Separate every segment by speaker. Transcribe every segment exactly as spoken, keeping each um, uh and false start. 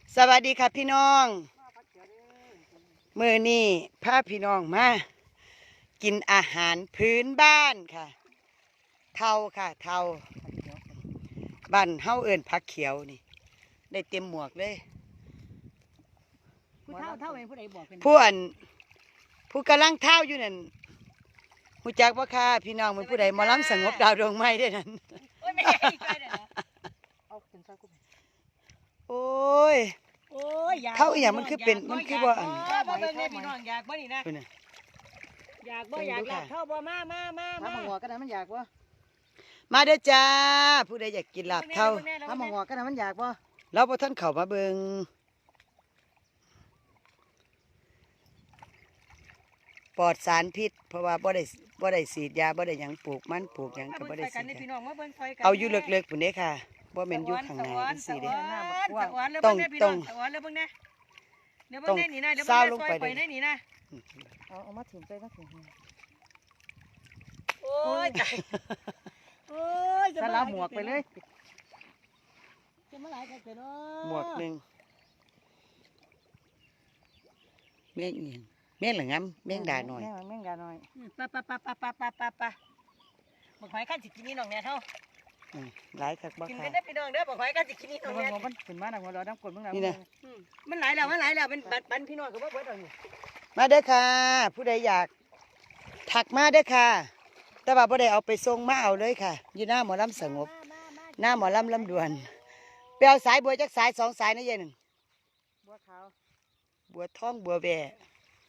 Speaker 1: สวัสดีค่ะพี่น้องมื้อนี้พาพี่น้องมากินอาหารพื้นบ้านค่ะเทาค่ะเทาบ้านเฮาเอิ้นผักเขียวนี่ได้เต็มหมวกเลย
Speaker 2: ผู้เฒ่าเฒ่าเองผู้ใดบอกเป็น
Speaker 1: ผู้อันผู้กำลังเท้าอยู่นั่นรู้จักบ่ค่ะพี่น้องเป็นผู้ใดหมอลำสงบดาวดวงไม้ได้นั่น
Speaker 2: โอ้ยไม่ให้อีกเลยเด้อเอาถึงซอยกู
Speaker 1: โอ้ย
Speaker 2: โอ้ยอยาก
Speaker 1: เฒ่าอีหยังมันคือเป็นมันคือบ่อัน
Speaker 2: บ่เบิ่งแน่พี่น้องอยากบ่นี่นะ
Speaker 1: เพิ่นน่ะ
Speaker 2: อยากบ่อยากหลับเฒ่าบ่มามามา
Speaker 3: ถ้า
Speaker 2: มา
Speaker 3: มังงอกันนะมันอยากบ่
Speaker 1: มาเด้อจ้าผู้ใดอยากกินลาบเทา
Speaker 3: ถ้ามังงอกันนะมันอยากบ่
Speaker 1: เราบ่ทันเข้ามาเบิ่งปลอดสารพิษเพราะว่าบ่ได้บ่ได้ฉีดยาบ่ได้หยังปลูกมันปลูกหยังก็บ่ได้ฉีด
Speaker 2: พี่
Speaker 1: ยา
Speaker 2: น้องมาเบิ่งซอยกัน
Speaker 1: เอาอยู่เลิกๆพุ่นเด้ค่ะบ่แม่นอยู่ข้างหน้าจังซี่เด้
Speaker 2: ต้อง
Speaker 1: ต้
Speaker 2: ต้
Speaker 1: อ
Speaker 2: อง งสวรรค์แล้วเบิ่งแน่เดี๋ยวเบิ่งแน่นี่นะเดี๋ยวเบิ่งแน่ซอยไปแน่นี่นะ
Speaker 3: เอาเอามาถิ่มไปมาถิ่ม
Speaker 2: โอ้ยโอ้ย
Speaker 3: สลับหมวกไปเลย
Speaker 2: จะมาหลายกันเนาะ
Speaker 1: หมวกหนึงแม่งอีหยังแม่งละงำแม่งด่าหน่อย
Speaker 3: แม่งแม่งด่าหน่อย
Speaker 2: ปะปะปะปะปะปะปะปะบักหอยกันสิกินนี่น้องเนี่ยเท่า
Speaker 1: อืมหลายคักบ่
Speaker 2: กิน
Speaker 1: ค่ะ
Speaker 2: กันได้พี่น้องเด้อบักหอยกันสิกินนี่น้อง
Speaker 3: มั
Speaker 2: เนี่ย
Speaker 3: งงอมันขึ้นมาหนักหัวเราน้ำกดมึง
Speaker 1: นี่นะ
Speaker 2: มันหลายแล้วมันหลายแล้วเป็นบันพี่น้องก็บ่เบิดดอกนี่
Speaker 1: มาเด้อค่ะ ผู้ใดอยากถักมาเด้อค่ะ แต่ว่าบ่ได้เอาไปส่งมาเอาเลยค่ะ อยู่หน้าหมอลำสงบ หน้าหมอลำลำดวนไปเอาสายบัวจักสายสองสายนะยายหนึ่ง
Speaker 3: บัวขาว
Speaker 1: บัวทองบัวแบะ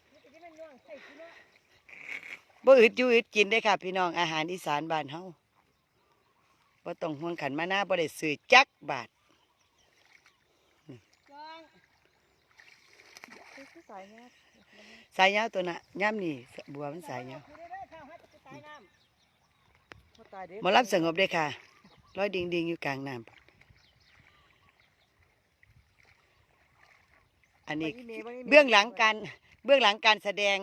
Speaker 1: บ่อึดอยู่อึดกินได้อค่ะ พี่น้องอาหารอีสานบ้านเฮาบ่ต้องห่วงขันมาหน้าบ่ได้ซื้อจักบาท
Speaker 3: คือสายเนี้ย
Speaker 1: สายยาวตัวน่ะย่ำนี่บัวมันสายยาว
Speaker 3: บ่ตายเด้
Speaker 1: หมอลำสงบได้อค่ะร้อยดิงดิงอยู่กลางน้ำอันนี้เบื้องหลังการเบื้องหลังการแสดง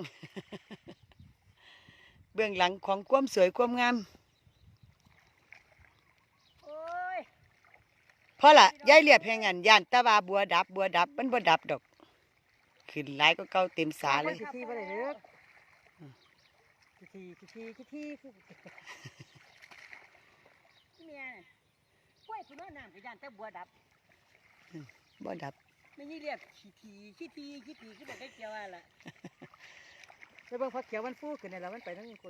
Speaker 1: เบื้องหลังของความสวยความงาม
Speaker 2: โอ้ย
Speaker 1: เพราะล่ะยายเรียบแห่งอันย่านตะวาบัวดับบัวดับมันบ่ดับดอกขึ้นหลายก็เก่าเต็มสาเลย
Speaker 3: ขี้บ่ได้เด้อขี้ขี้ขี้ขี้ขี้
Speaker 2: เมียกล้วยคุณน้ำกับยานแต่บัวดับ
Speaker 1: บ่ดับ
Speaker 2: ไม่ยี่เรียกขี้ทีขี้ทีขี้ทีคือบอกได้เกี่ยวอะไรล่ะ
Speaker 3: แล้วเบิ่งผักเขียวมันฟูขึ้นนี่แล้วมันไปทั้งคน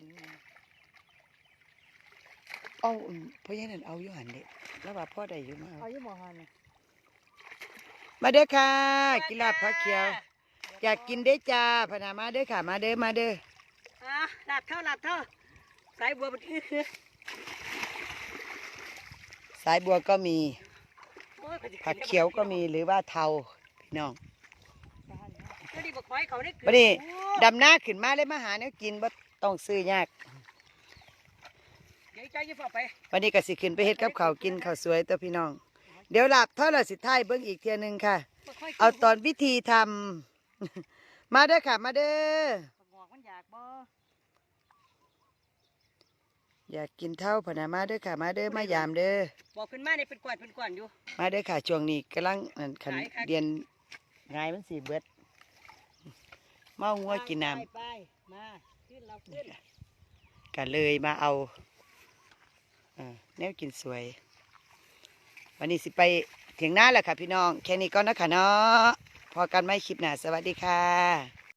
Speaker 1: เอาอืมเพราะฉะนั้นเอาอยู่หันเด็แล้วว่าพ่อได้อยู่มา
Speaker 3: เอาอยู่หม้อหันนี่
Speaker 1: มาเด้อค่ะกินลาบผักเขียว อยากกินเด้อจ้าพนามาเด้อค่ะมาเด้อมาเด้อ
Speaker 2: อ่ะหลับเท่าหลับเท่าสายบัวมันคือ
Speaker 1: สายบัวก็มี
Speaker 2: โอ้ย
Speaker 1: ผักเขียวก็มีหรือว่าเทาพี่น้อง
Speaker 2: ก็ดีบอกหอยเขาได้เกิ
Speaker 1: บัดนี้ดำหน้าขึ้นมาเลยมาหาแนวกินบ่ต้องซื้อยาก
Speaker 2: เดี๋ยวใจจะฝากไป
Speaker 1: วันนี้ก็สิขึ้นไปเฮ็ดกับข้าวกินข้าวสวยตัวพี่น้อง เดี๋ยวหลับเท่าเราสิท้ายเบิ่งอีกเทียหนึงค่ะ เอาตอนวิธีทำ มาเด้อค่ะมาเด้อ
Speaker 3: หมอกมันอยากบ่
Speaker 1: อยากกินเท่าพนามาเด้อค่ะมาเด้อมายามเด้อ
Speaker 2: บอกขึ้นมาเนี่ยเป็นกวาดเป็นกวาดอยู่
Speaker 1: มาเด้อค่ะช่วงนี้กำลังนั่นขัน
Speaker 2: ขายค่ะ
Speaker 1: เรียนงายมันสีเบิดเมางัวกินน้
Speaker 2: ไปไปมาขึ้นเราขึ้น
Speaker 1: ำกันเลยมาเอาเอ่อแนวกินสวย วันนี้สิไปเถียงหน้าแหละค่ะพี่น้องแค่นี้ก็นะคะเนาะพอกันไม่คลิปหน้าสวัสดีค่ะ